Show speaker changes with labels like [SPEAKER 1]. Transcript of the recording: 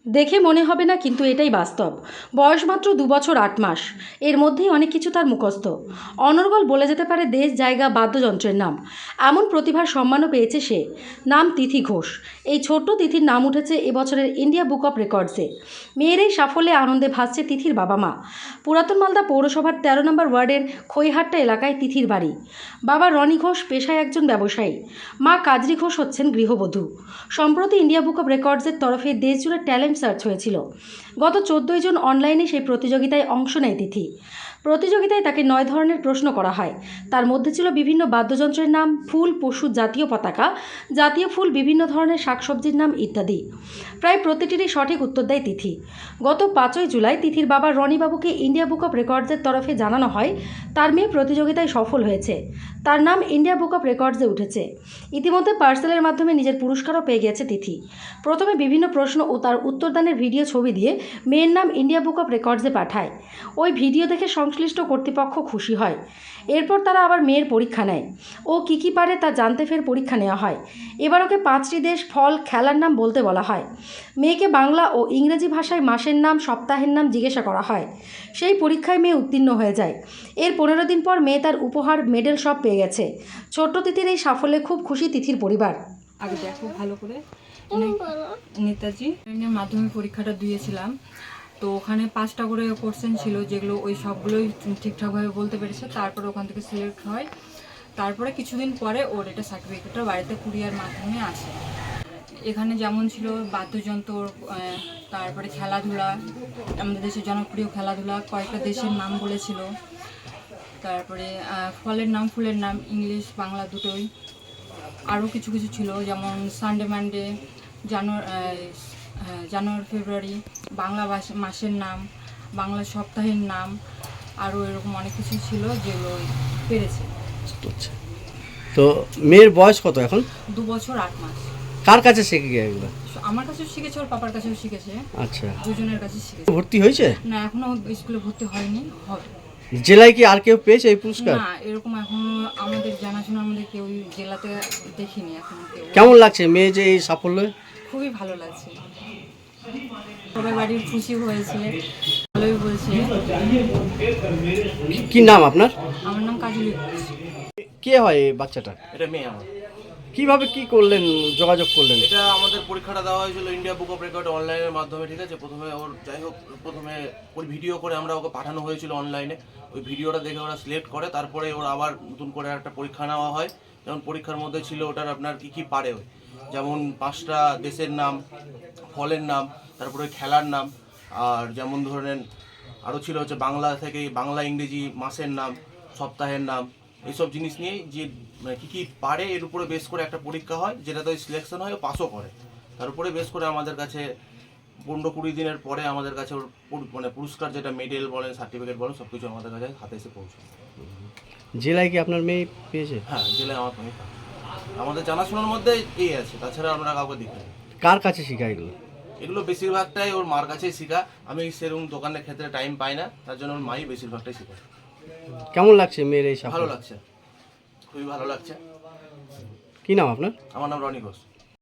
[SPEAKER 1] দেখে মনে হবে না, কিন্তু এটাই বাস্তব। বয়স মাত্র 2 বছর 8 মাস। এর মধ্যেই অনেক কিছু তার মুখস্থ। অনর্গল বলে যেতে পারে দেশ, জায়গা, বাদ্যযন্ত্রের নাম। এমন প্রতিভার সম্মানও পেয়েছে সে। নাম তিথি ঘোষ। এই ছোট্ট তিথির নাম উঠেছে এবছরের ইন্ডিয়া বুক অফ রেকর্ডসে। মেয়ের এই সাফল্যে আনন্দে ভাসছে তিথির বাবা মা। পুরাতন মালদা পৌরসভার 13 নম্বর ওয়ার্ডের খইহাট্টা এলাকায় তিথির বাড়ি। বাবা রনি ঘোষ পেশায় একজন ব্যবসায়ী। মা কাজরি ঘোষ হচ্ছেন গৃহবধূ। সম্প্রতি ইন্ডিয়া বুক অফ রেকর্ডসের তরফে দেশজুড়ে ট্যালেন্ট সার্চ হয়েছিল। গত 14 জন অনলাইনে সেই প্রতিযোগিতায় অংশ নেয় তিথি। প্রতিযোগিতায় তাকে 9 ধরনের প্রশ্ন করা হয়। তার মধ্যে ছিল বিভিন্ন বাদ্যযন্ত্রের নাম, ফুল, পশু, জাতীয় পতাকা, জাতীয় ফুল, বিভিন্ন ধরনের শাকসবজির নাম ইত্যাদি। প্রায় প্রতিটিরই সঠিক উত্তর দেয় তিথি। গত 5ই জুলাই তিথির বাবা রনিবাবুকে ইন্ডিয়া বুক অফ রেকর্ডসের তরফে জানানো হয় তার মেয়ে প্রতিযোগিতায় সফল হয়েছে। তার নাম ইন্ডিয়া বুক অফ রেকর্ডসে উঠেছে। ইতিমধ্যে পার্সেলের মাধ্যমে নিজের পুরস্কারও পেয়ে গেছে তিথি। প্রথমে বিভিন্ন প্রশ্ন ও তার উত্তরদানের ভিডিও ছবি দিয়ে মেয়ের নাম ইন্ডিয়া বুক অফ রেকর্ডসে পাঠায়। ওই ভিডিও দেখে সংশ্লিষ্ট কর্তৃপক্ষ খুশি হয়। এরপর তারা আবার মেয়ের পরীক্ষা নেয়। ও কী পারে তা জানতে ফের পরীক্ষা নেওয়া হয়। এবার ওকে 5টি দেশ, ফল, খেলার নাম বলতে বলা হয়। মেয়েকে বাংলা ও ইংরেজি ভাষায় মাসের নাম, সপ্তাহের নাম জিজ্ঞাসা করা হয়। সেই পরীক্ষায় মেয়ে উত্তীর্ণ হয়ে যায়। এর 15 দিন পর মেয়ে তার উপহার, মেডেল সব পেয়ে গেছে। ছোট্ট তিথির এই সাফল্যে খুব খুশি তিথির পরিবার।
[SPEAKER 2] আগে দেখো ভালো করে। নেতাজি মাধ্যমিক পরীক্ষাটা দিয়েছিলাম, তো ওখানে 5টা করে কোশ্চেন ছিল, যেগুলো ওই সবগুলোই ঠিকঠাকভাবে বলতে পেরেছে। তারপরে ওখান থেকে সিলেক্ট হয়। তারপরে কিছুদিন পরে ওর এটা সার্টিফিকেটটা বাড়িতে কুরিয়ার মাধ্যমে আসে। এখানে যেমন ছিল বাদ্যযন্ত্র, তারপরে খেলাধুলা, আমাদের দেশের জনপ্রিয় খেলাধুলা, কয়েকটা দেশের নাম বলেছিল। তারপরে ফলের নাম, ফুলের নাম, ইংলিশ বাংলা দুটোই। আরও কিছু কিছু ছিল, যেমন Sunday Monday, January February, Bangla মাসের নাম, বাংলা সপ্তাহের নাম, আরও এরকম অনেক কিছু ছিল যেগুলো পেরেছে।
[SPEAKER 3] আচ্ছা, তো মেয়ের বয়স কত এখন?
[SPEAKER 2] 2 বছর 8 মাস।
[SPEAKER 3] কার কাছে শিখে গিয়ে এগুলো?
[SPEAKER 2] আমার কাছেও শিখেছে, ওর পাপার কাছেও শিখেছে।
[SPEAKER 3] আচ্ছা,
[SPEAKER 2] দুজনের কাছে শিখেছে।
[SPEAKER 3] ভর্তি হয়েছে?
[SPEAKER 2] না, এখনো স্কুলে ভর্তি হয়নি, হবে।
[SPEAKER 3] জেলায় কি আর কেউ পেয়েছে এই পুরস্কার?
[SPEAKER 2] না, এরকম এখনো আমাদের জানাশোনা আমাদের কেউ জেলাতে দেখিনি এখনো কেউ।
[SPEAKER 3] কেমন লাগছে মেয়ে যে এই সাফল্য?
[SPEAKER 2] খুবই ভালো লাগছে, সবাই বাড়ির খুশি হয়েছে, ভালোই বলছে।
[SPEAKER 3] কি নাম আপনার?
[SPEAKER 2] আমার নাম কাজলি ঘোষ।
[SPEAKER 3] কে হয় এই বাচ্চাটা?
[SPEAKER 4] এটা মেয়ে আমার।
[SPEAKER 3] কিভাবে কি করলেন, যোগাযোগ করলেন?
[SPEAKER 4] এটা আমাদের পরীক্ষাটা দেওয়া হয়েছিল ইন্ডিয়া বুক অফ রেকর্ড অনলাইনের মাধ্যমে, ঠিক আছে। প্রথমে ওর যাই হোক, প্রথমে ওর ভিডিও করে আমরা ওকে পাঠানো হয়েছিল অনলাইনে। ওই ভিডিওটা দেখে ওরা সিলেক্ট করে, তারপরে ওর আবার নতুন করে একটা পরীক্ষা নেওয়া হয়। যেমন পরীক্ষার মধ্যে ছিল ওটার আপনার কী কী পারে, যেমন 5টা দেশের নাম, ফলের নাম, তারপরে খেলার নাম, আর যেমন ধরেন আরও ছিল হচ্ছে বাংলা থেকে বাংলা, ইংরেজি, মাসের নাম, সপ্তাহের নাম, এইসব জিনিস নিয়ে যে মানে কী কী পারে এর উপরে বেস করে একটা পরীক্ষা হয়, যেটাতে ওই সিলেকশন হয়, ও পাসও করে। তার উপরে বেস করে আমাদের কাছে 15-20 দিনের পরে আমাদের কাছে ওর মানে পুরস্কার, যেটা মেডেল বলেন, সার্টিফিকেট বলেন, সব কিছু আমাদের কাছে হাতে এসে পৌঁছায়।
[SPEAKER 3] জেলায় কি আপনার মেয়ে পেয়েছে?
[SPEAKER 4] হ্যাঁ, জেলায় আমার মেয়ে পায়। আমাদের জানাশোনার মধ্যে এই আছে, তাছাড়া আমরা কাউকে দেখি না।
[SPEAKER 3] কার কাছে শেখায় এগুলো?
[SPEAKER 4] এগুলো বেশিরভাগটাই ওর মার কাছেই শেখা। আমি সেরকম দোকানের ক্ষেত্রে টাইম পাই না, তার জন্য ওর মাই বেশিরভাগটাই শেখায়।
[SPEAKER 3] কেমন লাগছে মেয়ের এই
[SPEAKER 4] ভালো
[SPEAKER 3] সাফল্য?
[SPEAKER 4] লাগছে, খুবই ভালো লাগছে।
[SPEAKER 3] কি নাম আপনার?
[SPEAKER 4] আমার নাম রনি ঘোষ।